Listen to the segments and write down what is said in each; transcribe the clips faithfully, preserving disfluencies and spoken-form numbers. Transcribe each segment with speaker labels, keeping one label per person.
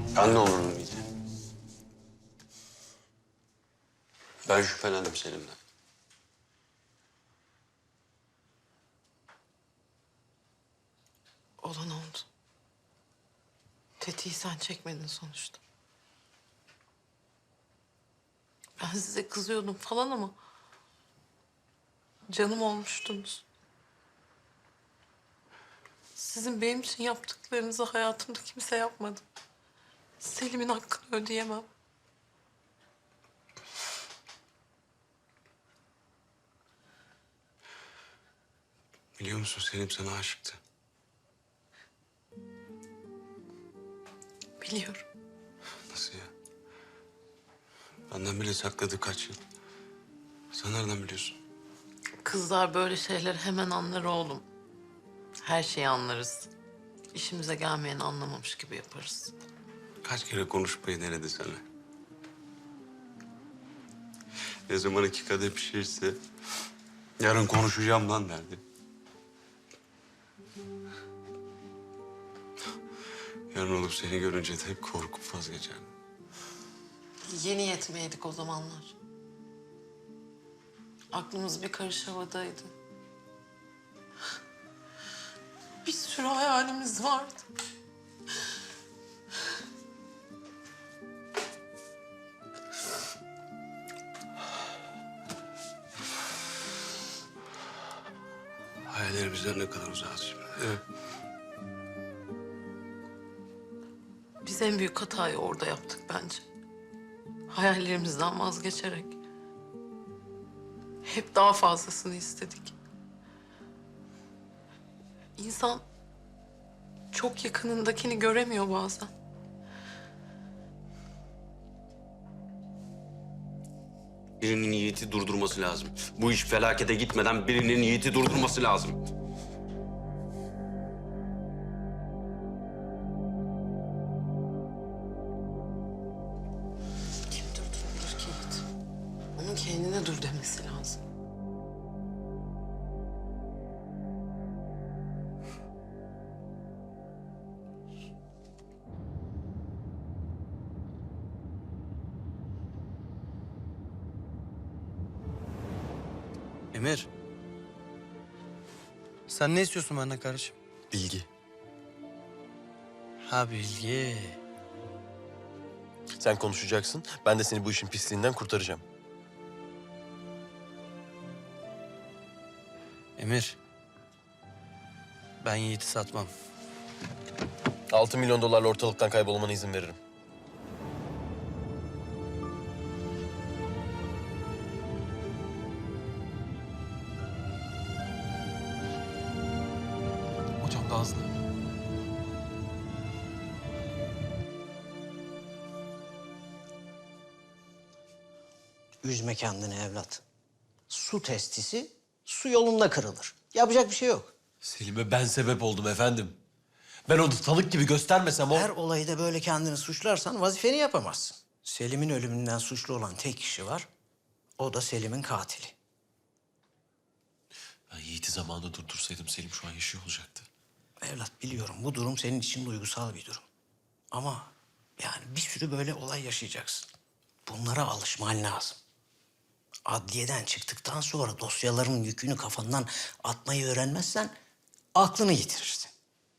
Speaker 1: Ben ne olurdum iyice? Ben şüphelendim Selim'den.
Speaker 2: Olan oldu. Tetiği sen çekmedin sonuçta. Ben size kızıyordum falan ama... canım olmuştunuz. Sizin benim için yaptıklarınızı hayatımda kimse yapmadı. Selim'in hakkını ödeyemem.
Speaker 1: Biliyor musun Selim sana aşıktı.
Speaker 2: Biliyorum.
Speaker 1: Nasıl ya? Benden bile sakladı kaç yıl. Sen nereden biliyorsun?
Speaker 2: Kızlar böyle şeyler hemen anlar oğlum. Her şeyi anlarız. İşimize gelmeyeni anlamamış gibi yaparız.
Speaker 1: Kaç kere konuşmayı denedi sana. Ne zaman iki kadeh pişirse... yarın konuşacağım lan derdi. Yarın olup seni görünce de hep korkup vazgeçerdim.
Speaker 2: Yeni yetmeydik o zamanlar. Aklımız bir karış havadaydı. Bir sürü hayalimiz vardı.
Speaker 1: Hayallerimizden ne kadar uzağız şimdi. Evet.
Speaker 2: Biz en büyük hatayı orada yaptık bence. Hayallerimizden vazgeçerek. Hep daha fazlasını istedik. İnsan çok yakınındakini göremiyor bazen.
Speaker 1: Birinin Yiğit'i durdurması lazım. Bu iş felakete gitmeden birinin Yiğit'i durdurması lazım.
Speaker 2: Kim durdurabilir ki Yiğit? Onun kendine dur demesi lazım.
Speaker 3: Emir. Sen ne istiyorsun benden kardeşim?
Speaker 4: Bilgi.
Speaker 3: Ha bilgi.
Speaker 4: Sen konuşacaksın, ben de seni bu işin pisliğinden kurtaracağım.
Speaker 3: Emir. Ben Yiğit'i satmam.
Speaker 4: Altı milyon dolarla ortalıktan kaybolmana izin veririm.
Speaker 3: Hocam daha hızlı.
Speaker 5: Üzme kendini evlat. Su testisi su yolunda kırılır. Yapacak bir şey yok.
Speaker 6: Selim'e ben sebep oldum efendim. Ben onu tanık gibi göstermesem o...
Speaker 5: Her olayda böyle kendini suçlarsan vazifeni yapamazsın. Selim'in ölümünden suçlu olan tek kişi var. O da Selim'in katili.
Speaker 6: Ben Yiğit'i zamanında durdursaydım Selim şu an yaşıyor olacaktı.
Speaker 5: Evlat biliyorum bu durum senin için duygusal bir durum. Ama yani bir sürü böyle olay yaşayacaksın. Bunlara alışman lazım. Adliyeden çıktıktan sonra dosyaların yükünü kafandan atmayı öğrenmezsen aklını yitirirsin.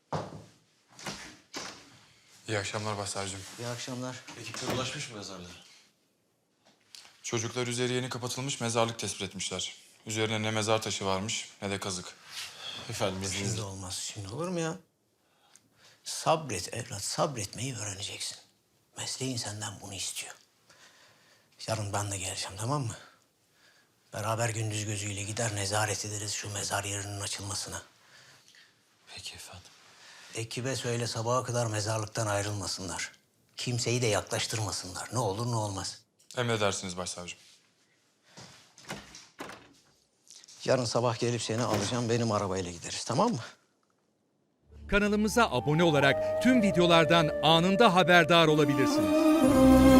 Speaker 7: İyi akşamlar Başsavcım.
Speaker 5: İyi akşamlar.
Speaker 6: Ekipler ulaşmış mı mezarlara?
Speaker 7: Çocuklar üzeri yeni kapatılmış mezarlık tespit etmişler. Üzerine ne mezar taşı varmış ne de kazık.
Speaker 6: Efendim izninizle.
Speaker 5: Şimdi olmaz. Şimdi olur mu ya? Sabret evlat, sabretmeyi öğreneceksin. Mesleğin senden bunu istiyor. Yarın ben de geleceğim, tamam mı? Beraber gündüz gözüyle gider nezaret ederiz şu mezar yerinin açılmasına.
Speaker 6: Peki efendim.
Speaker 5: Ekibe söyle sabaha kadar mezarlıktan ayrılmasınlar. Kimseyi de yaklaştırmasınlar. Ne olur ne olmaz.
Speaker 7: Emredersiniz Başsavcım.
Speaker 5: Yarın sabah gelip seni alacağım, benim arabayla gideriz, tamam mı?
Speaker 8: Kanalımıza abone olarak tüm videolardan anında haberdar olabilirsiniz.